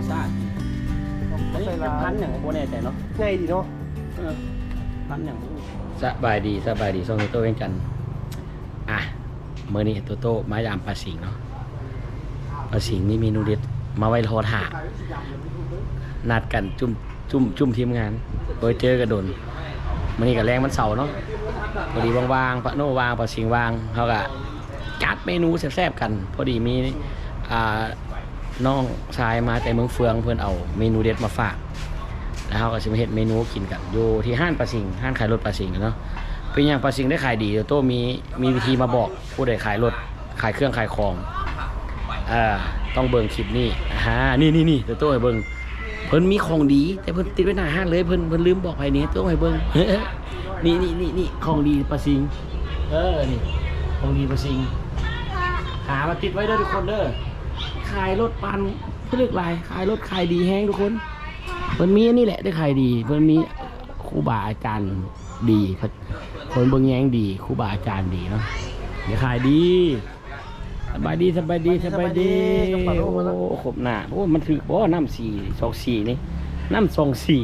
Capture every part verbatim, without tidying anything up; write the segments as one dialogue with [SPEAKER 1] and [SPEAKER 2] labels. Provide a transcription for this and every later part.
[SPEAKER 1] ชาติอันนี้เป็นพันอย่างโบแน่ใจเนาะ
[SPEAKER 2] ง่ายดีเนาะ
[SPEAKER 1] เออพันอย่าง
[SPEAKER 3] สบายดีสบายดีส่งตัวเองกันอ่ะเมื่อนี้ตัวโตมายามปลาสิงเนาะปลาสิงมีเมนูเด็ดมาไว้รอถ่านัดกันจุ่มจุ่มจุ่มทีมงานโดยเจอกระโดนมื่อนี้กับแรงมันเสาร์เนาะพอดีวางๆปะโน่วางปลาสิงวางเขาก็จัดเมนูแซ่บๆกันพอดีมีอ่าน้องชายมาแต่เมืองเฟืองเพื่อนเอาเมนูเด็ดมาฝากแล้วเขาก็จะมาเห็ดเมนูกินกันอยู่ที่ห้านปลาสิงห้านขายรถปลาสิงเนาะเป็นอย่างปลาสิงได้ขายดีเดี๋ยวโต้มีมีวิธีมาบอกผู้ใดขายรถขายเครื่องขายของอ่าต้องเบิ่งคลิปนี้ฮะนี่นี่นี่เดี๋ยวโต้ให้เบิ่งเพิ่นมีของดีแต่เพิ่นติดไว้หน้าห้านเลยเพิ่นเพิ่นลืมบอกไปนี้โต้ให้เบิ่ง นี่นี่นี่นี่ของดีปลาสิงเออนี่ของดีปลาสิงหามาติดไว้เด้อทุกคนเด้อขายรถปันเพื่อเลือกลายขายรถขายดีแห้งทุกคนเพิ่นมีอันนี้แหละได้ขายดีเพิ่นมีครูบาอาจารย์ดีคนเบิ่งแย้งดีครูบาอาจารย์ดีเนาะเดี๋ยวขายดีสบายดีสบายดีสบายดีโอ้ขบหน้าโอ้มันถือบ่น้ำสี่สองสี่นี่น้ำสองสี่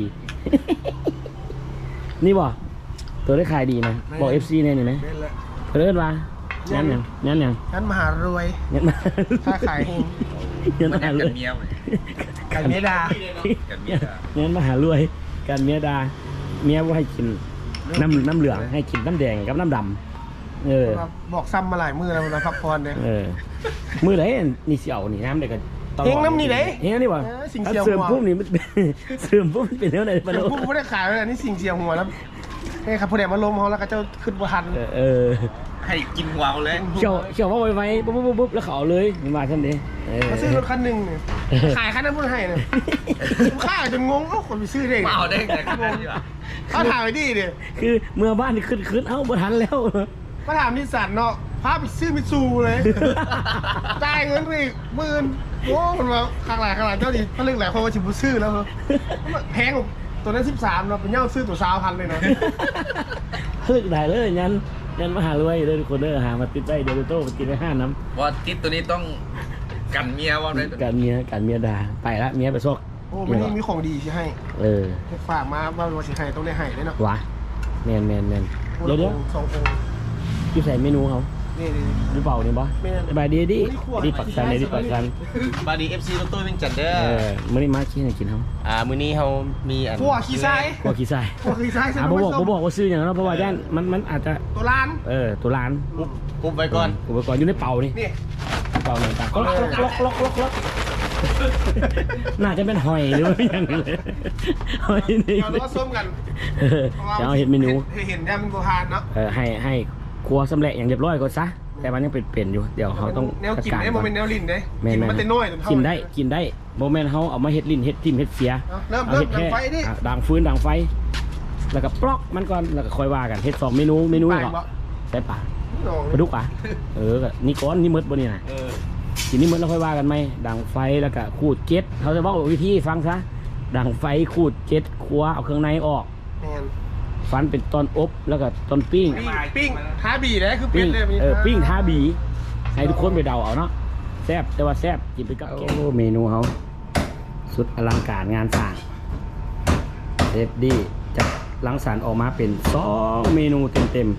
[SPEAKER 3] นี่บ่ตัวได้ขายดีนะบอก เอฟ ซี เนี่ยนี่นะเพิ่นว่างั้นยังงั้นยัง
[SPEAKER 2] งั้นมหารวย
[SPEAKER 3] งั้นมา
[SPEAKER 2] ถ้าขายเอง
[SPEAKER 3] งั้นมาหารวย
[SPEAKER 4] เมียเลย
[SPEAKER 2] ขายเมดา
[SPEAKER 4] กันเมีย
[SPEAKER 3] งั้นมาหารวยการเมียดาเมียว่าให้กินน้ำน้ำเหลืองให้กินน้ำแดงกับน้ำดำเออ
[SPEAKER 2] บอกซ้ำมาหลายมือแล้วนะพักผ่อนเนี่ย
[SPEAKER 3] เออมือไหนนี่เสี่ยวนี่น้ำเด็กกัน
[SPEAKER 2] เฮงน้ำนี่ไหน
[SPEAKER 3] เฮงนี่วะ
[SPEAKER 2] เออสิ่งเสี่ยว
[SPEAKER 3] เสื่อมปุ๊บนี่มัน เสื่อมปุ๊บมันเป็นเท่าไหร่ปะ
[SPEAKER 2] เดี๋
[SPEAKER 3] โล
[SPEAKER 2] ยวพวกไม่ได้ขายเลยนี่สิ่งเสียหัวแล้วนี่ครับผู้ใดมาล้มเขาแล้วก็เจ้าขึ้นบัทัน
[SPEAKER 3] เออเออ
[SPEAKER 4] ให้กินวาวเลย
[SPEAKER 3] เขี่ยวเขี่ยวว่าไว้ไว้ปุ๊บปุ๊บปุ๊บแล้วเขาเอาเลยมันมาทันทีเออ
[SPEAKER 2] มาซื้อรถคันหนึ่งเนี่ยขายคันนั้นพูดให้เนี่ยข้าจนงงเอ้าคนไปซื้อได้ไง
[SPEAKER 4] มาเอาได้ไงขนาดนี้วะ
[SPEAKER 2] เขาถามไปดิเนี่ย
[SPEAKER 3] คือเมื่อบ้านขึ้นขึ้นเอ้าบ่ทันแล้ว
[SPEAKER 2] ก็ถามนิสสันเนาะพาไปซื้อมิตซูเลยจ่ายเงินไปอีกหมื่นโอ้มันมาข้างหลังข้างหลังเจ้าดิถ้าเรื่องหลายคนมาชิมซื้อแล้วเหรอแพงกว่าตัวนั้นสิบสามเนาะเป็นเย่าซื้อตัวสาวพันเลยนะ
[SPEAKER 3] เลิกได้เลยยันยันมาหารวยเลยทุกคนเด้อหามาติดได้เดี๋ยวโต้ไปกินได้ห้าน้ำ
[SPEAKER 4] ว่าติดตัวนี้ต้องกันเมียว่าได้
[SPEAKER 3] การเมียการเมียด่าไปละเมียไปซอก
[SPEAKER 2] โอ้ไม่นี่มีของดีที่ให้
[SPEAKER 3] เออ
[SPEAKER 2] ฝากมาว่าวันสิให้ต้องได้ให้ด้วยเนาะ
[SPEAKER 3] วะแมนแมนแมนเดี๋ยวเดี๋ยว
[SPEAKER 2] สององค์
[SPEAKER 3] อยู่ใส่เมนูเขา
[SPEAKER 2] นี่นี่
[SPEAKER 3] หรือเปล่านี่บอส
[SPEAKER 2] แม่น
[SPEAKER 3] สบายดีดิดีปักกันเลยดีปักกัน
[SPEAKER 4] บาดีเอฟซีรถตู้วิ่งจันเด้อ
[SPEAKER 3] เออมื่อนี้มาขี้ให้กินเขา
[SPEAKER 4] อ่ามื้อนี้เขามีอัน
[SPEAKER 2] พวกขี้ทราย
[SPEAKER 3] กลัวขี้ใส่
[SPEAKER 2] พวกขี้ทราย
[SPEAKER 3] อ่ะผมบอกผมบอกว่าซื้ออย่างนั้นเพราะว่าย่านมันมันอาจจะ
[SPEAKER 2] ตัวล้าน
[SPEAKER 3] เออตัวร้าน
[SPEAKER 4] ปุ๊บปุ๊บไว้ก่อน
[SPEAKER 3] อุปกรณ์อยู่ในเป่านี่
[SPEAKER 2] นี่
[SPEAKER 3] เป่าต่างๆก็ล็อกล็อกล็อกล็อกล็อกน่าจะเป็นหอยหรือว่าอย่างไรเลยหอยนี่
[SPEAKER 2] เดี๋ยวเราก็ส้มกัน
[SPEAKER 3] เออจะเอาเห็ดเมนู
[SPEAKER 2] เห็นเนี่ยมันโบราณเนาะ
[SPEAKER 3] เออให้ให้ครัวสำเร็จอย่างเรียบร้อยก่อนซะแต่มันยังเป็นเปลี่ยนอยู่เดี๋ยวเขาต้อง
[SPEAKER 2] แนวกิน
[SPEAKER 3] จัด
[SPEAKER 2] ได้
[SPEAKER 3] การ
[SPEAKER 2] โม
[SPEAKER 3] ก่อน
[SPEAKER 2] เมนต์แนวลิ้นได้
[SPEAKER 3] แม่
[SPEAKER 2] กิน
[SPEAKER 3] แม่
[SPEAKER 2] มันแต่น้อยจนเท่า
[SPEAKER 3] กินได้กินได้โมเมนต์เขาเอามาเฮ็ดลิ้นเฮ็ดทิมเฮ็ดเสีย
[SPEAKER 2] เริ่ม
[SPEAKER 3] เอา
[SPEAKER 2] เริ่ม
[SPEAKER 3] เฮ็ด
[SPEAKER 2] ดัง
[SPEAKER 3] แค่
[SPEAKER 2] ไฟดิ
[SPEAKER 3] อ่ะดังฟืนดังไฟ แล้วก็ปลอกมันก่อนแล้วก็ค่อยว่ากันเฮ็ดสองเมนูเมนู
[SPEAKER 2] ไป
[SPEAKER 3] ก่อน
[SPEAKER 2] บ่
[SPEAKER 3] ใช่ปะ
[SPEAKER 2] น้อง
[SPEAKER 3] ปลาดุกปะเออก็นี่ก้อนนี่มดบ่นี่นะ
[SPEAKER 4] เออ
[SPEAKER 3] กินนี่มดแล้วค่อยว่ากันไหมดังไฟแล้วก็ขูดเจ็ดเขาจะบอกวิธีฟังซะดังไฟขูดเจ็ดครัวเอาเครื่องในออก
[SPEAKER 2] แมน
[SPEAKER 3] ฟันเป็นตอนอบแล้วก็ตอนปิ้ง
[SPEAKER 2] ปิ้งปิ้งท้าบีได้คือเป็
[SPEAKER 3] ปิ้
[SPEAKER 2] น
[SPEAKER 3] ง
[SPEAKER 2] เลย
[SPEAKER 3] เออปิ้งท่าบีให้ทุกคนไปเดาเอาเนาะแซ่บแต่ว่าแซ่บกินไปกับแกงโอ้เมนูเขาสุดอลังการงานสร้างเซฟดี้จะลังสรรค์ออกมาเป็นสองเมนูเต็ม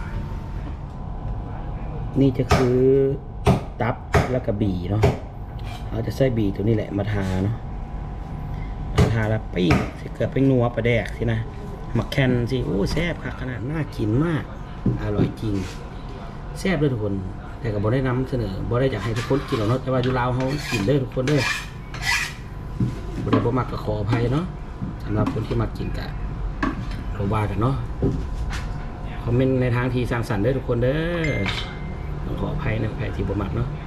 [SPEAKER 3] ๆนี่จะคือตับแล้วก็บีเนาะเราจะใส่บีตัวนี้แหละมาทาเนาะมาทาแล้วปิ้งสิเกิดเป็นนัวปลาแดกสินะหมักแคนสิโอ้แซ่บค่ะขนาดน่ากินมากอร่อยจริงแซ่บเลยทุกคนแต่ก็บ่ได้นำเสนอบ่ได้อยากให้ทุกคนกินหรอกเนาะแต่ว่าอยู่ลาวเขากินเด้อทุกคนเด้อบ่ได้บ่มักก็ขออภัยเนาะสำหรับคนที่มากินกะเราว่ากันเนาะคอมเมนต์ในทางที่สร้างสรรค์เด้อทุกคนเด้อต้องขออภัยนะใครที่บ่มักเนาะ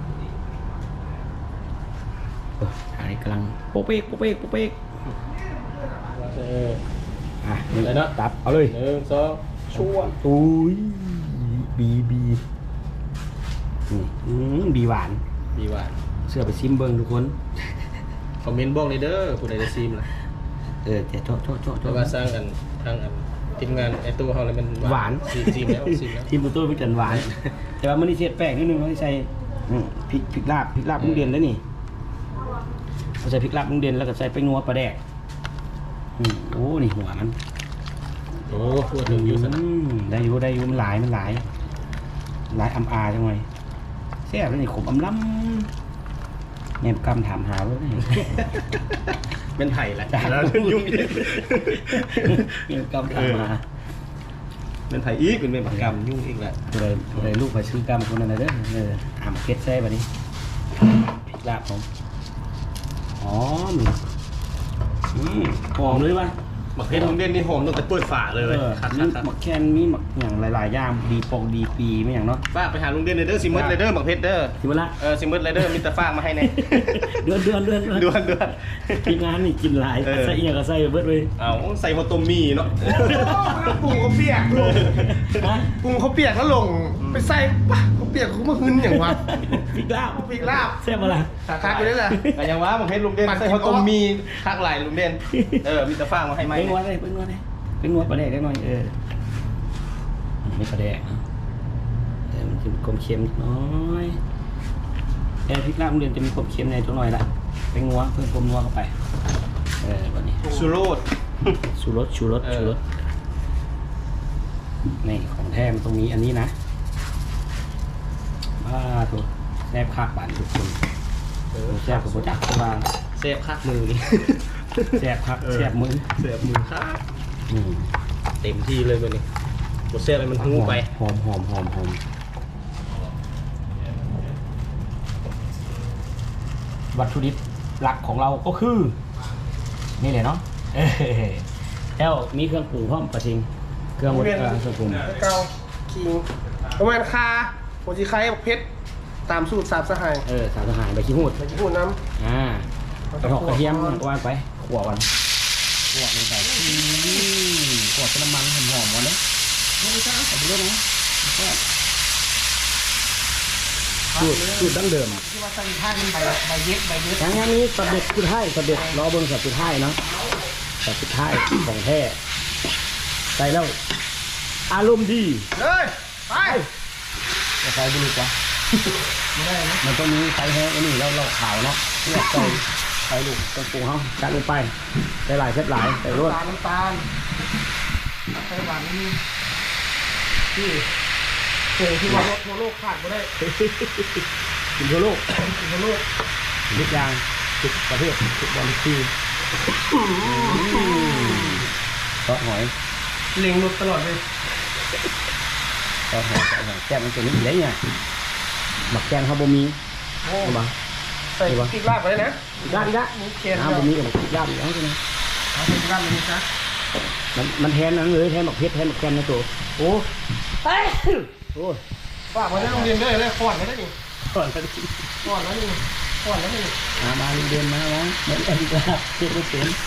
[SPEAKER 3] โอ้อันนี้กำลังโป๊กเป๊กโป๊กเป๊กโป๊กเป๊กเอออ่ะนี่เนาะตับเอาเลย
[SPEAKER 1] หนึ่งสองชั่ว
[SPEAKER 3] อุ้ยบีบีนี่อืมบีหวาน
[SPEAKER 1] ดีว่า
[SPEAKER 3] เสื้อไปซิมเบิงทุกคน
[SPEAKER 1] คอมเมนต์บอกเลยเด้อผู้ใดจะซีมล่ะ
[SPEAKER 3] เออแต่โทษโทษโทษโท
[SPEAKER 1] แต่
[SPEAKER 3] ษ
[SPEAKER 1] ว่าสร้างอันทางอันทีมงานไอ้ตู้เฮาเลยมัน
[SPEAKER 3] หวาน
[SPEAKER 1] ซีมซีมแล้วซีมแล้ว
[SPEAKER 3] ทีมประตูเป็นจันหวาน แต่ว่ามันนี่เสียดแป้งนิดนึงเขาใส่อืมพริกพริกลาบพริกลาบเพิ่งเรียนแล้วนี่ใส่พริกลาบลุงเด่นแล้วก็ใส่ไปนัวปลาแดกอืมโอ้นี่หัวมัน
[SPEAKER 1] โอ้พูดถึงอยู่สนะ
[SPEAKER 3] อืมได้อยู่ได้อยู่มันหลายมันหลายหลายอำอาจังไงแซ่บแล้วนี่ขมอำล้ำแนมกำถามหาว่านี่
[SPEAKER 1] เป็นไผ่แหละ
[SPEAKER 3] จ้า
[SPEAKER 1] แล้วยุ่งอีก
[SPEAKER 3] แนมกำถามหา
[SPEAKER 1] เป็นไผ่อีกเป็นเป็นปากกรรมยุ่งอีกแหละ
[SPEAKER 3] ตัวใดตัวใดลูกไปซื้อกำคนนั้นนะเด้อเอออ่ำเก็ดแซ่บอันนี้พริกลาบผมอ๋ออืมหอมเลยว่ะ
[SPEAKER 1] หมักเพชรลุงเด่นนี่หอมตั้งแต่เปิดฝาเลย
[SPEAKER 3] เอ
[SPEAKER 1] เว้ย
[SPEAKER 3] อ
[SPEAKER 1] คัด
[SPEAKER 3] มี
[SPEAKER 1] คัด
[SPEAKER 3] หมักแคนมีหมักอย่างหลายๆอย่างดีปองดีปีไม่อย่างเนาะ
[SPEAKER 1] ฝากไปหาลุงเด่นเลยเด้อซิมเมอร์เลยเด้อหมักเพชรเด้อ
[SPEAKER 3] สิมาละ
[SPEAKER 1] เออซิมเมอร์เลยเด้อมีแต่ฝากมาให้แน่
[SPEAKER 3] เดือนเดือนเดือน
[SPEAKER 1] ด่วนด่วน
[SPEAKER 3] ทีมงานนี่กินหลาย
[SPEAKER 1] เออ
[SPEAKER 3] ใส่เอียก็ใส่เบิดเลย
[SPEAKER 1] เอาใส่มาต้มมีเนาะ
[SPEAKER 2] ปรุงเขาเปียกลง
[SPEAKER 3] ฮะ
[SPEAKER 2] ปรุงเขาเปียกแล้วลงไปใส่ปะเขาเปียกเขามาหึนอย่างวะ
[SPEAKER 3] พริกลาบ
[SPEAKER 2] พริกลาบ
[SPEAKER 3] แซ่บมาละ
[SPEAKER 2] สาขาไปได้แหละ
[SPEAKER 1] แต่ยังว่าหมักเพชรลุงเด่นใส่มาต้มมีคักหลายลุงเด่นเออมีแต่ฝากมาให้ไหม
[SPEAKER 3] เป็นงวดเลยเป็นงวดเลยเป็นงวดปลาแดกได้หน่อยเออไม่ปลาแดกนะแต่มันจะมีความเค็มนิดน้อยแต่พริกลาบโรงเรียนจะมีความเค็มในตัวหน่อยละเป็นงัวเพิ่มความนัวเข้าไปเออวันนี้
[SPEAKER 1] ชูโรด
[SPEAKER 3] ชูรสชูรส
[SPEAKER 1] เออ
[SPEAKER 3] ชูรสนี่ของแท้มันตรงนี้อันนี้นะบ้าตัวแซ่บคักบานทุกคนแซ่บกับโปรจักบ้าน
[SPEAKER 1] เซฟคักมือนี่
[SPEAKER 3] แซ่บคักแซ่บมือ
[SPEAKER 1] เซฟมือคัก
[SPEAKER 3] อืม
[SPEAKER 1] เต็มที่เลยวันนี้บดเซฟอะไรมันหูไป
[SPEAKER 3] หอมหอมหอมหอมวัตถุดิบหลักของเราก็คือ นี่แหละเนาะเอ้ยแล้วมีเครื่องปรุงพร้อมปะทิงเครื่องวัตถุเครื่องปรุง
[SPEAKER 2] เกาคิงประมาณคาโปรจีไคบักเพชรตามสูตรสามสหาย
[SPEAKER 3] เออสารทหารใบขี้หูด
[SPEAKER 2] ไปญี่ปุ่นน้
[SPEAKER 3] อ่า
[SPEAKER 2] ำ
[SPEAKER 3] กระหอกกระเทียมวางไปขั่วกันขั่วลงไปอืมขั่วเป็นน้ำมันหอมๆวันนี้ไม่ใช่ใส่ไปเรื่อยนะสูตรสูตรดั้งเดิม
[SPEAKER 2] ที่ว่าใส่ท่ามันใบใบเย็ดใบเย็ด
[SPEAKER 3] ทั้งงานนี้สำเร็จสุดท้ายสำเร็จรอเบิ้งสับสุดท้ายเนาะสับสุดท้ายของแท้ใส่แล้วอารมณ์ดี
[SPEAKER 2] เลยไป
[SPEAKER 3] จะใส่บุรุษวะไม่ได้นะมันต้องมีใส่แห้งอันนี้แล้วเราขาวเนาะเนี่ยใส่ใส่ลูกต้องปรุงเขาจัดลงไปใส่หลายเส้นหลายใส่รส
[SPEAKER 2] น้ำตาลน้ำตาลใส่หวานนี่ที่โอ้ที่ว่าทั่วโลกขาดไม่ได้
[SPEAKER 3] กินทั่วโลก
[SPEAKER 2] ทั่วโลก
[SPEAKER 3] ทุกอย่างทุกประเทศทุกบอลทีซอสหอย
[SPEAKER 2] เล็งรถตลอดเลย
[SPEAKER 3] ซอสหอยซอสหอยแก้มมันจะนี่อีกแล้วเนี่ยหมักแกงเขาบ่มี
[SPEAKER 2] โอ้
[SPEAKER 3] ใช่ปะ
[SPEAKER 2] ใส่พริกลาบไปเลยนะ
[SPEAKER 3] ด้านละ
[SPEAKER 2] มุกเคน
[SPEAKER 3] น้ำบ่มีกับหมักย่างอีกแล้วใช่ไหม
[SPEAKER 2] เอาพริกลาบไปนี่ซะ
[SPEAKER 3] มันมันแทนนั้นเลยแทนหมักเพชรแทนหมักแกงนะตัวโอ้เอ้ยโอ้ย
[SPEAKER 2] ฝากมาได้โรงเรียนได้เลยขอนไม่ได้อีก
[SPEAKER 3] ก่อนไปดิ
[SPEAKER 2] ขอนแล้วนี่ขอนแล้วนี่
[SPEAKER 3] มามาเรียนมาแล้วเหมือนกันก็เจ็บไม่เสียน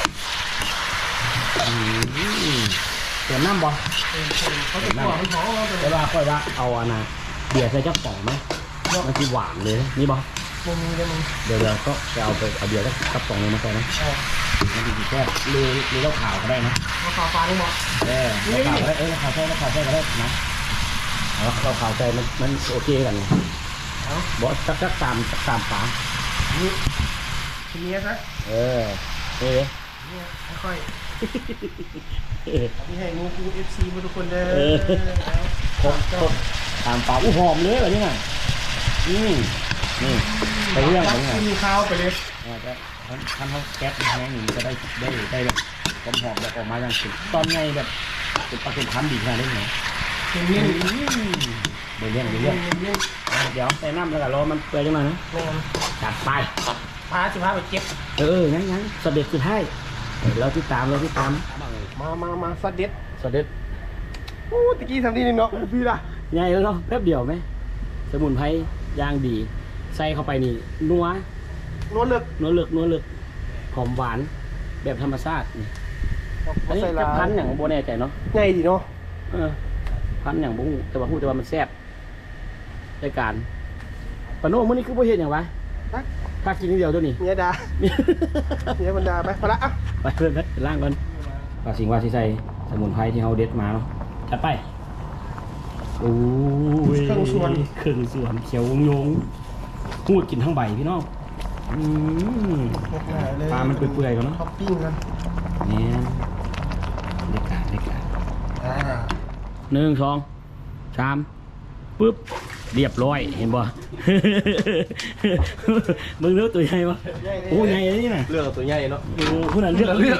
[SPEAKER 3] อืมเติมน้ำบ่
[SPEAKER 2] เขาจะขวมันท้องเรา
[SPEAKER 3] แต่ว่าค่อยว่าเอาอันน่ะเบียร์ใส่จักป่องไหมมันคือหวานเลยนะนี่บ่
[SPEAKER 2] มึงมีเลยมึง
[SPEAKER 3] เดี๋ยวเราก็จะเอาไปเอาเบียร์สักกระป๋องนึงมาใส่นะมันดีแค่หรือหรือเราขาวก็ได้นะ
[SPEAKER 2] มาขาวฟ้านี่หมด
[SPEAKER 3] เออเราขาวก็ได้เออเราขาวใส่เราขาวใส่ก็ได้นะเอาเราขาวใส่มันมันโอเคกันไงบอกสักสักสามสักสามฝา
[SPEAKER 2] นี่ทีนี้ซะ
[SPEAKER 3] เออเออ
[SPEAKER 2] นี่ค่อย
[SPEAKER 3] เออ
[SPEAKER 2] ๆนี่ให้มูคูเอฟซีมาทุกคนเด้อ
[SPEAKER 3] ครบครบสามฝาอู้หอมเลยแบบนี้ไงอืมนี่ไปเรื่องไปเรื่อง
[SPEAKER 2] มีข้าวไปเลย
[SPEAKER 3] อาจจะท่านท่านเขาแก๊สแห้งอย่างนี้ก็ได้ได้ได้แบบความหอมแบบออกมาอย่างสุดตอนไงแบบเป็นปลาเป็นพันดีขนาดนี้ไหม
[SPEAKER 2] ทีนี้
[SPEAKER 3] เดี๋ยวเรื่องเดี๋ยวเรื่องเดี๋ยวใส่น้ำแล้วก็รอมันเปื่อยจังหน่อยนะ
[SPEAKER 2] แม่ง
[SPEAKER 3] จัดไป
[SPEAKER 2] พาสิพาไปเก็บ
[SPEAKER 3] เอองั้นงั้นสเด็จสุดท้ายเราที่ตามเราที่ตาม
[SPEAKER 2] มามามาสเด็ด
[SPEAKER 3] สเด็จ
[SPEAKER 2] โอ้ตะกี้ทำดีนี่เนาะพี่ล่ะ
[SPEAKER 3] ใหญ่แล้วเนาะแป๊บเดียวไหมสมุนไพรย่างดีใส่เข้าไปนี่นัวน
[SPEAKER 2] วลเลือก
[SPEAKER 3] นัวเลือกนัวเลือกหอมหวานแบบธรรมชาตินี่อันนี้
[SPEAKER 2] ใส่
[SPEAKER 3] จะ
[SPEAKER 2] ลา
[SPEAKER 3] พันอย่างโบแน่ใจเนาะ
[SPEAKER 2] ง่ายดีเนาะ
[SPEAKER 3] เออพันอย่างบุ้งแต่ว่าพูดแต่ว่ามันแซ่บรายการปะโน่มื้อนี้คือบ่เฮ็ดหยังวะถ้ากินนิดเดียวตัวนี้
[SPEAKER 2] เมียดาเมียบรรดาไปพอละอ่ะ
[SPEAKER 3] ไปเพิ่นไปล่างก่อนว่าสิ่งว่าสิใส่สมุนไพรที่เฮาเด็ดมาเนาะจัดไปโอ้ยเครื่องส่วนเครื่องส่วนเขียวงงหูดกินทั้งใบพี่น้องอืม
[SPEAKER 2] โอ้
[SPEAKER 3] มันเปื่อยๆก่อนเนาะ
[SPEAKER 2] ท็อปปิ้งกัน
[SPEAKER 3] เนี่ยเด็กกาเด็กกา
[SPEAKER 2] อ่า
[SPEAKER 3] หนึ่งสองสามปึ๊บเรียบร้อยเห็นบ่ มึงเลือกตัวใหญ่ปะโอ้ใหญ่เลยนี่น่ะ
[SPEAKER 1] เรื่องตัวใหญ่เนาะ
[SPEAKER 3] โอ้คุณน่ะเลือกเลือก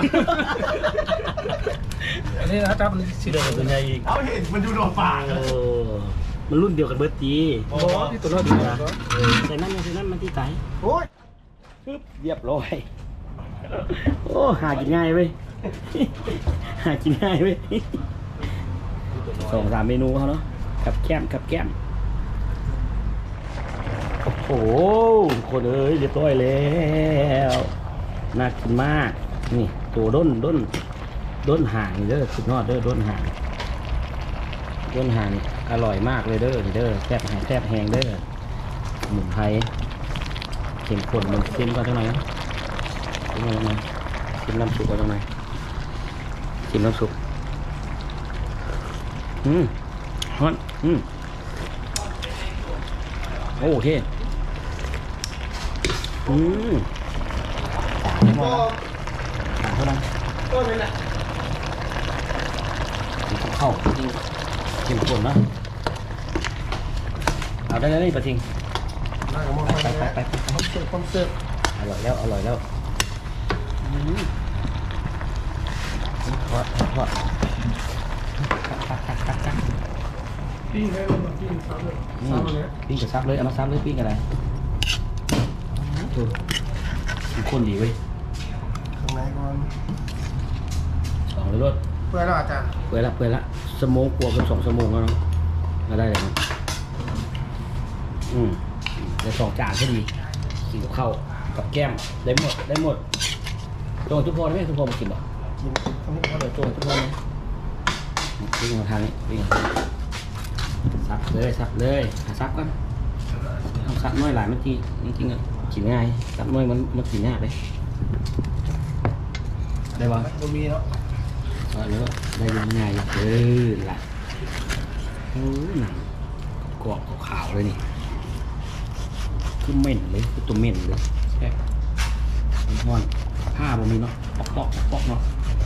[SPEAKER 2] อันนี้นะครับมันสี
[SPEAKER 3] เลือกตัวใหญ่อีก
[SPEAKER 2] เอาเห็นมันดูโดนปาก
[SPEAKER 3] เออมันรุ่นเดียวกันเบิร์ตจี
[SPEAKER 2] โอ้ที่ตัวน้อยดีนะ
[SPEAKER 3] เออใส่นั่นใส่นั่นมันที่ไต
[SPEAKER 2] โอ้ย
[SPEAKER 3] ปึ๊บเรียบร้อยโอ้หากินง่ายเว้ย หากินง่ายเว้ยสองสามเมนูเขาเนาะกับแก้มกับแก้มโอ้โหคนเอ้ยเรียบร้อยแล้วน่ากินมากนี่ตัวด้นด้นด้นห่างนี่เด้อสุดยอดเด้อด้นห่างด้นห่างอร่อยมากเลยเด้อนี่เด้อแซ่บแห้งแซ่บแห้งเด้อสมุนไพรเข็มข้นมันเค็มกว่าเท่าไหร่นะเค็มกว่าเท่าไหร่เค็มน้ำซุปกว่าเท่าไหร่เค็มน้ำซุปอืมฮอนอืมโอเคอืมสามเท่าไหร่สามเท่าไหร่
[SPEAKER 2] ก็เลยแหละ
[SPEAKER 3] เข้าจริงเข็มข้นนะเอาได้เลยปะทิง
[SPEAKER 2] น่าจะมอง
[SPEAKER 3] ไป
[SPEAKER 2] ไป
[SPEAKER 3] ไป
[SPEAKER 2] ไป
[SPEAKER 3] ไปไป
[SPEAKER 2] คอมเสิร์ฟคอมเสิร์ฟ
[SPEAKER 3] อร่อยแล้วอร่อยแล้วอืมทอดทอด
[SPEAKER 2] ปิ้งให้เรามาปิ้งซ้ำเลย
[SPEAKER 3] อืม
[SPEAKER 2] ซ้ำเลย
[SPEAKER 3] ปิ้งกับซับเลยเอามาซับเลยปิ้งอะไรถูกคนดีเว้ย
[SPEAKER 2] ข้างในก่อน
[SPEAKER 3] สองเลยรถ
[SPEAKER 2] เพื่อเราอาจารย์
[SPEAKER 3] เปื่อยละเปื่อยละสมองกลัวกันสองสมองแล้วเนาะมาได้เลยนะอืมได้สองจานก็ดีกินกับข้าวกับแก้มได้หมดได้หมดโจงทุกคนไหมทุกคนมากินบ่
[SPEAKER 2] กินตรงนี้
[SPEAKER 3] เดี๋ยวโจงทุกคนไหมวิ่งมาทางนี้วิ่งมาทางนี้ซับเลยซับเลยหาซับกันเอาซับน้อยหลายมันทีจริงๆอ่ะกินง่ายซับน้อยมันมันกินยากเลยได้ป่ะ
[SPEAKER 2] มันมีเนาะ
[SPEAKER 3] ก็แล้วได้ยังไงเออล่ะโอ้หนังกรอบขาวๆเลยนี่คือเหม็นเลยคือตัวเหม็นเลยแซ่บมันทอนผ้าบ่มีเนาะปอกปอกปอกเนาะ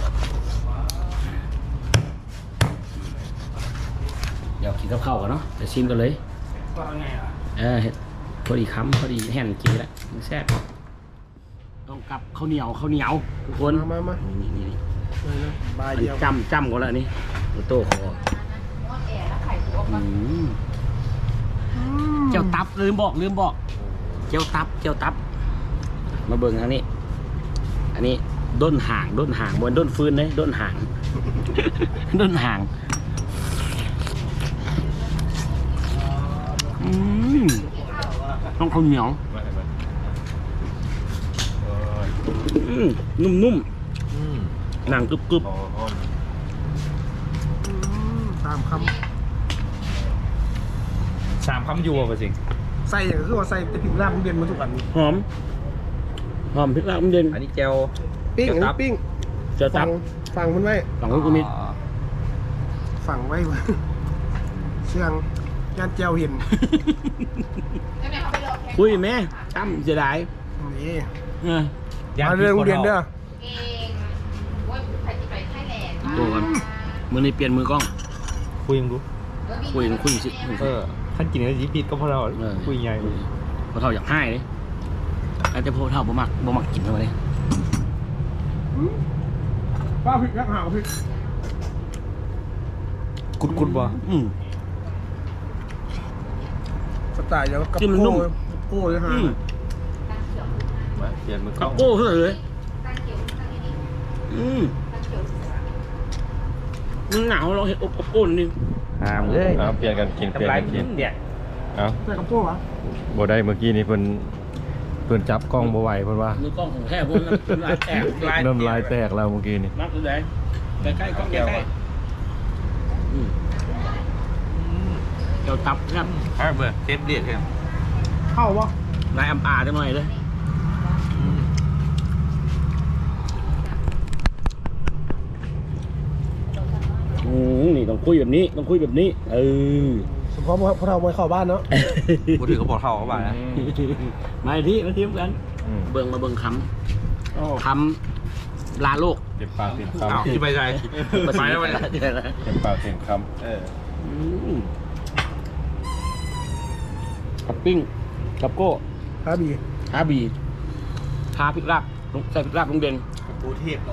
[SPEAKER 3] เดี๋ยวกินกับข้าวกันเนาะเดี๋ยวชิมกันเลย
[SPEAKER 2] ก็ไงอ่ะ
[SPEAKER 3] เออเห็ดพอดีคำพอดีแห่นกินแล้วมันแซ่บต้องกับข้าวเหนียวข้าวเหนียวทุกคน
[SPEAKER 2] มามามา
[SPEAKER 3] นี่นี่นี่
[SPEAKER 2] เลยนะบาย
[SPEAKER 3] อัน
[SPEAKER 2] เดี
[SPEAKER 3] นี้
[SPEAKER 2] ยว
[SPEAKER 3] จำจำก่อนแล้วนี่ตัวโต้คออืมเจ้าตับลืมบอกลืมบอกเจ้าตับเจ้าตับ มาเบิ่งอันนี้ อันนี้ด้นห่างด้นห่างบนด้นฟืนเลยด้นห่าง ด้นห่างอืมต้องข้าวเหนียวอืมนุ่มๆหนังกรึบ
[SPEAKER 2] ตามค
[SPEAKER 4] สามคำยูอ่ะจริง
[SPEAKER 2] ำใส่อย่างคือว่าใส่แต่พริกลาบมันเด่นมาทุกอัน
[SPEAKER 3] ๆหอมหอมพริกลาบมันเด่น
[SPEAKER 4] อันนี้เจล
[SPEAKER 2] ปิ้งอัน
[SPEAKER 4] เจ้าตั
[SPEAKER 2] นี้
[SPEAKER 4] บ
[SPEAKER 2] ปิ้ง
[SPEAKER 3] เจ้าตั
[SPEAKER 2] ฝั่
[SPEAKER 3] บ
[SPEAKER 2] งฝั่งมันไว้
[SPEAKER 3] สองลูกมิด
[SPEAKER 2] ฝั่งไว้ไว้เชื่องย่านเจียวเห็น
[SPEAKER 3] คุยแม่ตั้มเสียดาย
[SPEAKER 2] นี่
[SPEAKER 3] เออ
[SPEAKER 2] มาเรื่องเรียนเด้อ
[SPEAKER 5] เองว่าใครจะไปไทยแลนด์
[SPEAKER 3] ตัวกันมือนี้เปลี่ยนมือกล้อง
[SPEAKER 4] คุยยังรู้
[SPEAKER 3] คุยกันคุยสิ
[SPEAKER 4] เออท่านกินอะไรยิบปิดก็พอเรา
[SPEAKER 3] เออ
[SPEAKER 4] คุยไง
[SPEAKER 3] พอเท่าอยากให้เลยอาจจะพอเท่าบ่มักบ่มักกินเท่าไหร่
[SPEAKER 2] ป้าพริกยักษ์หาวพริก
[SPEAKER 4] กุดกุดบ่
[SPEAKER 3] อืม
[SPEAKER 2] สไตล์เดียวกับ
[SPEAKER 3] ที่มันนุ่ม
[SPEAKER 2] โก้โก้เลยฮะ
[SPEAKER 3] อืม
[SPEAKER 4] มาเปลี่ยนมือกล้
[SPEAKER 3] กั
[SPEAKER 4] อบ ง
[SPEAKER 3] โก้เท่าไหร่เลยอืมมันหนาวเราเห็นอบอบโก้นี่
[SPEAKER 4] หามเลย
[SPEAKER 1] เอาเปลี่ยนกันกินเปลี่ยน
[SPEAKER 4] ทำลาย
[SPEAKER 1] กัน
[SPEAKER 4] กิ
[SPEAKER 1] กิ
[SPEAKER 4] น
[SPEAKER 1] น
[SPEAKER 4] เดี่ย
[SPEAKER 1] เอา
[SPEAKER 2] ใส่กับโก้เหรอ
[SPEAKER 1] บ่ได้เมื่อกี้นี้เพิ่นเพิ่นจับกล้องบ่ไหวเพิ่นว่า
[SPEAKER 3] มือกล้องของแท้พวกนั้นน้ำลายแตก
[SPEAKER 1] น้ำลายแตกแล้วเมื่อกี้นี่
[SPEAKER 3] มักเลยใกล้ๆกล้องใกล้ๆอืมเดี๋ยวตับครับ
[SPEAKER 4] อ่ะเบอร์เทปเดียดครับ
[SPEAKER 2] เข้าปะ
[SPEAKER 3] นายอำอาจังหน่อยเลยอืมนี่ต้องคุยแบบนี้ต้องคุยแบบนี้เออ
[SPEAKER 2] เฉพาะพวกเราไม่เข้าบ้านเนาะ
[SPEAKER 4] พูดถึงเขาบอกเขาเขาบ้างนะ
[SPEAKER 3] มาที่มาทีมกัน
[SPEAKER 1] อืม
[SPEAKER 3] เบิ่งมาเบิ่งคำทำลาโลก
[SPEAKER 1] เจ็บปากเต็ม
[SPEAKER 4] อ้าว
[SPEAKER 1] คำ
[SPEAKER 4] ที่ไปใจไปแล้ววัน
[SPEAKER 3] เดือนละ
[SPEAKER 1] เจ็บปากเต็มคำเออ
[SPEAKER 3] อืมกับปิ้งกับโก้
[SPEAKER 2] ฮาบี
[SPEAKER 3] ฮาบีทาพริกลาบลงใส่พริกลาบลงเด่น
[SPEAKER 1] ปูเทพเนาะ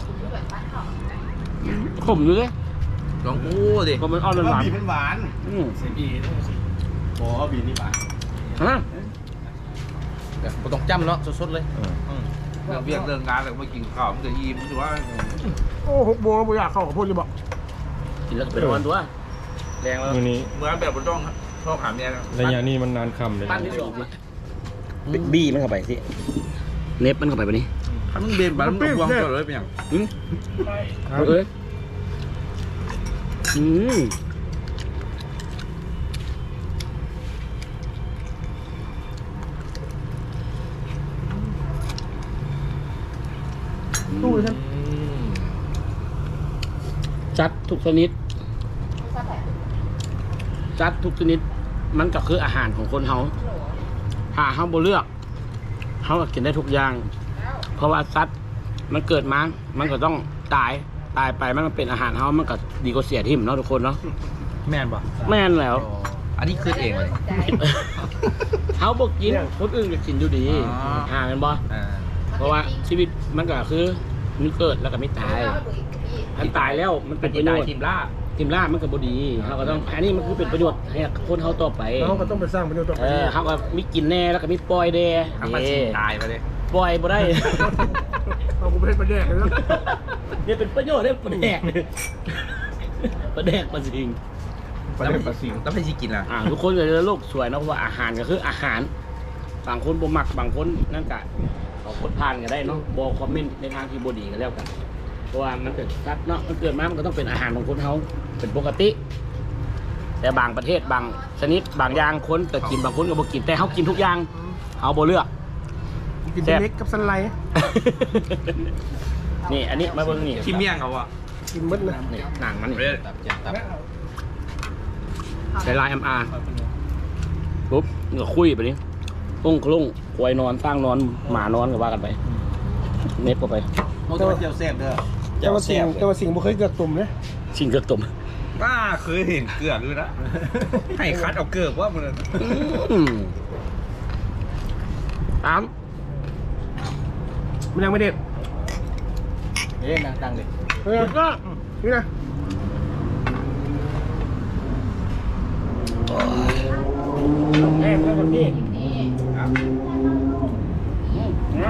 [SPEAKER 3] ขมอยู่เลย
[SPEAKER 4] ลองอู้ดิ
[SPEAKER 3] ก็มันอ่อนห
[SPEAKER 1] แล้ว
[SPEAKER 3] วาน
[SPEAKER 1] บีมันหวาน
[SPEAKER 3] ๆอืม
[SPEAKER 1] เสียบีโอ้บีนี่หวาน
[SPEAKER 3] ฮะ
[SPEAKER 1] บ่ต้องจำเนาะสดๆเลย
[SPEAKER 4] เรื่องเวียกเรื่องงานแล้วมากินข้าวมันจะยิ้มถือว่า
[SPEAKER 2] โอ้หกโมงแล้วบ่อยากเข้ากับพูดเลยบอก
[SPEAKER 3] กินแล้วก็เป็นวันตัวแรงแล้ว
[SPEAKER 1] มื้อนี้
[SPEAKER 4] เมื่อแบบบนต้องชอบหาเมียกัน
[SPEAKER 1] ระยะนี้มันนานค่ำเลย
[SPEAKER 3] ปั้นที่สองสิบี้มันเข้าไปสิเน็บมันเข้าไปปะนี้
[SPEAKER 4] ถ้ามึงเบนบ้านมึงบวงก็เลยเป็นอย่าง
[SPEAKER 3] อืมเอ้ยอืม
[SPEAKER 2] ตู้ฉัน
[SPEAKER 3] จัดทุกชนิด จัดทุกชนิด มันก็คืออาหารของคนเฮาหาเฮาบ่เลือกเฮาก็กินได้ทุกอย่าง เพราะว่าสัตว์มันเกิดมา มันก็ต้องตาย ตายไปมันก็เป็นอาหารเฮามันก็ดีกว่าเสียทิ่มเนาะทุกคนเนาะ
[SPEAKER 4] แม่นป่ะ
[SPEAKER 3] แม่นแล้ว
[SPEAKER 4] อันนี้คือเองเลย
[SPEAKER 3] เฮาบ่กินคนอื่นก็กินอยู่ดี
[SPEAKER 4] อ๋อ
[SPEAKER 3] อ่าแม่นบ่
[SPEAKER 4] อ่า
[SPEAKER 3] เพราะว่าชีวิตมันก็คือมีเกิดแล้วก็มีตายอันตายแล้วมันเป็นประโยชน์
[SPEAKER 4] ทีมล่า
[SPEAKER 3] ทีมล่ามันก็บ่ดีเฮาก็ต้องอันนี้มันคือเป็นประโยชน์ให้คนเฮาต่อไป
[SPEAKER 2] แล้วเขาก็ต้องไปสร้างประโยชน์ต่อไป
[SPEAKER 3] เออเขาก็มีกินแน่แล้วก็มีปล่อยแด่
[SPEAKER 4] ทำมาสิตายไปเลย
[SPEAKER 3] ปล่อยบ่ได้
[SPEAKER 2] เอากูไปเล่นประแดกเลยนะ
[SPEAKER 3] เนี่ยเป็นประโยชน์ได้ประแดกประแดกประสิง
[SPEAKER 1] ประเด็นประสิง
[SPEAKER 4] แล้วไม่ใช่กินอ่ะ
[SPEAKER 3] อ่าทุกคนก็จะโลกสวยเนาะเพราะว่าอาหารก็คืออาหารบางคนบ่มักบางคนนั่นก็ขอคนผ่านก็ได้เนาะบ่คอมเมนต์ในทางที่บ่ดีก็แล้วกันเพราะว่ามันเป็นสัตว์เนาะมันเกิดมามันก็ต้องเป็นอาหารของคนเฮาเป็นปกติ แต่บางประเทศบางชนิดบางอย่างคนก็กินบางคนก็บ่กินแต่เฮากินทุกอย่างเฮาบ่เลือก
[SPEAKER 2] กินเล็กกับสันไล
[SPEAKER 3] นี่อันนี้มาเบิ่งนี่
[SPEAKER 4] ขี้เมี่ยงเขาอ่ะ
[SPEAKER 2] กินมดนะ
[SPEAKER 3] นี่หนังมันนี่
[SPEAKER 4] เรียก
[SPEAKER 1] ตับเจ็บตับ
[SPEAKER 3] ใช้ลาย เอ็ม อาร์ ปุ๊บนี่ก็คุยไปนี่ปุ้งคลุ้งควายนอนสร้างนอนหมานอนก็ว่ากันไปเน็บเข้าไป
[SPEAKER 1] เขาจะเจียวแซ่บเด้อ
[SPEAKER 2] แต่ว่าสิ่งแต่ว่าสิ่งบ่เคยเกิดตุ่มเนี่ย
[SPEAKER 3] ชิงเกือกตุ่ม
[SPEAKER 4] ป้าเคยเห็นเกลือด้วยนะให้คัดเอาเกลือว่ามัน
[SPEAKER 3] อืมตาม
[SPEAKER 2] มันยังไม่เด็ด
[SPEAKER 1] เอ๊ะนางตังเลย
[SPEAKER 2] เออก็นี่นะ
[SPEAKER 3] แม่แล้วคนพี่นะ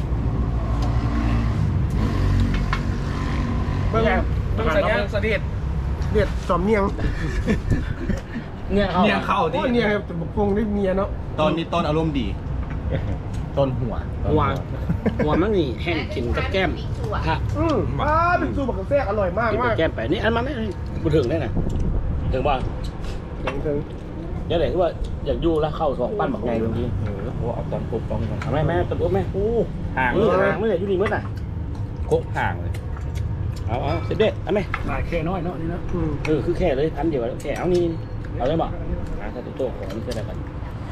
[SPEAKER 2] เบิ่งเบิ่งสัญญาณเสด็จเด็ดสอมเนียง
[SPEAKER 3] เนี่ยเขา
[SPEAKER 4] เมี่ยงเข้า
[SPEAKER 2] โอ้
[SPEAKER 4] ที่
[SPEAKER 2] ยเนี่ยครับบกพงได้เมียเนาะ
[SPEAKER 1] ตอนนี้ต้นอารมณ์ดี ต้นหัว
[SPEAKER 3] หัวหัวมันนี่แห้งกินกับแก้มถ้า
[SPEAKER 2] อืมอ่าเป็นสูตรบักกะแซกอร่อยมาก
[SPEAKER 3] กินกั
[SPEAKER 2] มา
[SPEAKER 3] บ
[SPEAKER 2] ก
[SPEAKER 3] แก้มไปนี่อันมันไม่บุถึงได้นะถึงว่า
[SPEAKER 2] ถึงถึง
[SPEAKER 3] เดี๋ยวไหนที่ว่าอยากอยู่แล้วเข้าสองปั้นบักไงบางที
[SPEAKER 1] เออโอ้เอาตอนปุ๊บต้องกัน
[SPEAKER 3] ทำไมแม่ตบแม่โอ้
[SPEAKER 4] ห่าง
[SPEAKER 3] เออห่างไม่เลยอยู่นี่มั้งน่ะ
[SPEAKER 4] โคกห่างเลย
[SPEAKER 3] เอาเอาเสร็จเด็ดเอาไหมมาแค่น้อยเนาะนี่นะ
[SPEAKER 2] อืม
[SPEAKER 3] เออคือแค่เลยพันเดียวแล้วแค่เอานี่เอาได้บ่หาแต่ตัวโตของนี่คืออะไรกัน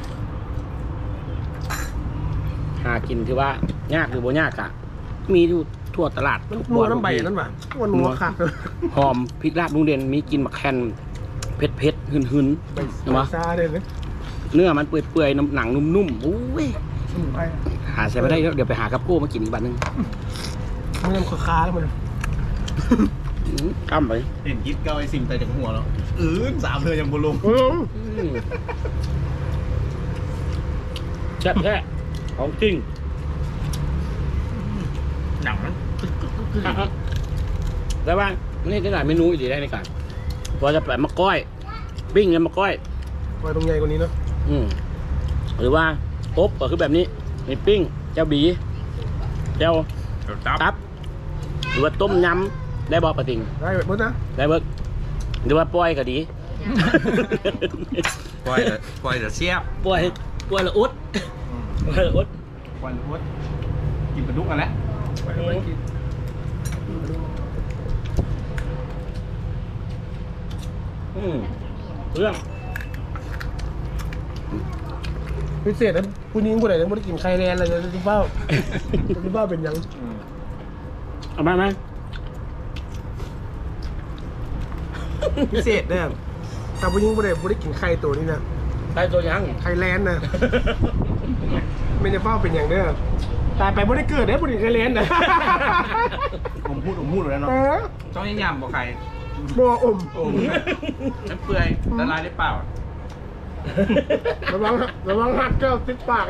[SPEAKER 3] หากินคือว่ายากหรือบ่ยากอะมีอยู่ทั่วตลาด
[SPEAKER 2] มันนัวน้ำใบนั่นป่ะมันนัวขาดเลย
[SPEAKER 3] หอมพริกลาบลุงเด่นมีกินมะแคนเผ็ดเผ็ดๆหึนหึนๆเห็นปะ
[SPEAKER 2] ซาเลยเลย
[SPEAKER 3] เนื้อมันเปื่อยๆน้ำหนังนุ่มๆโอ้ย
[SPEAKER 2] สมุนไพร
[SPEAKER 3] หาใส่ไม่ได้แล้วเดี๋ยวไปหากับโก้มากินอีกบันนึง
[SPEAKER 2] มันยังคาๆแล้วมัน
[SPEAKER 3] อื้อกั้มไป
[SPEAKER 1] เห็นยิดเก้าไอ้สิ่งแต่จากหัวเนาะอือสามเธอยังบุลง
[SPEAKER 2] อืม
[SPEAKER 3] อื้อแซ่บแท้ของจริง
[SPEAKER 4] หนังมัน
[SPEAKER 3] แล้วว่านี่ได้หลายเมนูอีกได้ในการพอจะแบบมะก้อยปิ้งเนี่ยมะก้อย
[SPEAKER 2] ไว้ตรงใหญ่กว่านี้เนาะ
[SPEAKER 3] อืมหรือว่าอบก็คือแบบนี้มีปิ้งเจ้าบีเจ้า
[SPEAKER 4] ตับ
[SPEAKER 3] ตับ หรือว่าต้มยำได้บอปะติง
[SPEAKER 2] ได้แบบนี้นะ
[SPEAKER 3] ได้เบิกหรือว่าปล่อยก็ดี
[SPEAKER 4] ปล่อยเลยปล่อยเดี๋ยวเสียบ
[SPEAKER 3] ปล่อยปล่อยละอุดปล่อยละอุด
[SPEAKER 1] ควันพุดกินปลาดุกกันแล้ว
[SPEAKER 3] อืมเรื่อง
[SPEAKER 2] พิเศษนะผู้หญิงผู้ใดยังไม่ได้กินไข่แลนอะไรเลยที่เฝ้าที่เฝ้าเป็นยัง
[SPEAKER 1] อืม
[SPEAKER 3] เอามาไหม
[SPEAKER 2] พิเศษเด้อแต่ผู้หญิงบ่ได้บ่ได้กินไข่ตัวนี้นะ
[SPEAKER 3] ได้ตัวยัง
[SPEAKER 2] ไข่แลนด์นะไม่ได้เฝ้าเป็นอย่างเด้อตายไปบ่ได้เกิดเด้อบ่ได้ไข่แลนด์นะ
[SPEAKER 1] ผมพูดผมพูดอยู่แล้ว
[SPEAKER 2] เอ
[SPEAKER 1] เนาะ
[SPEAKER 2] อ
[SPEAKER 4] ต้องยังยำบ่ใคร
[SPEAKER 2] บ่อม
[SPEAKER 4] โอ้น้ำเปื่อยละลายได้เปล่า
[SPEAKER 2] ระวังระวังหักแก้วติดปากนะ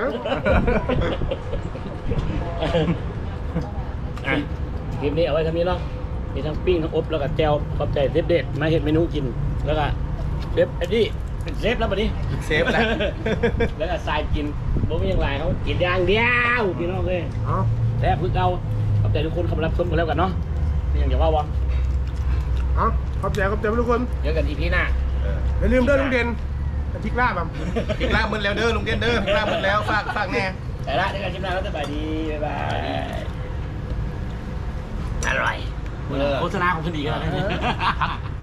[SPEAKER 3] อ่ะคลิปนี้เอาไว้ทำนี้เนาะมีทั้งปิ้งทั้งอบแล้วก็แจวขอบใจเซฟเด็ดมาเห็นเมนูกินแล้วก็เซฟไอ้นี่เป็นเซฟแล้วบัดนี้
[SPEAKER 1] เซฟแหละ
[SPEAKER 3] แล้วก็ทรายกินบ่มีอย่างไรเขากินอย่างเดียวพี่น้องเลย
[SPEAKER 2] เอ๋อ
[SPEAKER 3] แซ่บพึ่งเอาขอบใจทุกคนเข้ามารับชมกันแล้วกันเนาะนี่ยังจะว่าวะ
[SPEAKER 2] เอ๋อขอบใจขอบใจทุกคน
[SPEAKER 3] เจอกันอีพีหน้า
[SPEAKER 2] อย่าลืมเด้อลุงเด่นแต่พริกลาบอ่ะ
[SPEAKER 1] พริกลาบมึนแล้วเด้อลุงเด่นเด้อพริกลาบมึนแล้วฝากฝากแน่
[SPEAKER 3] แต่ละเจอกันคลิปหน้าแล้วสบายดีบ๊ายบายอร่อยโฆษณาของคุณดีกันแล้ว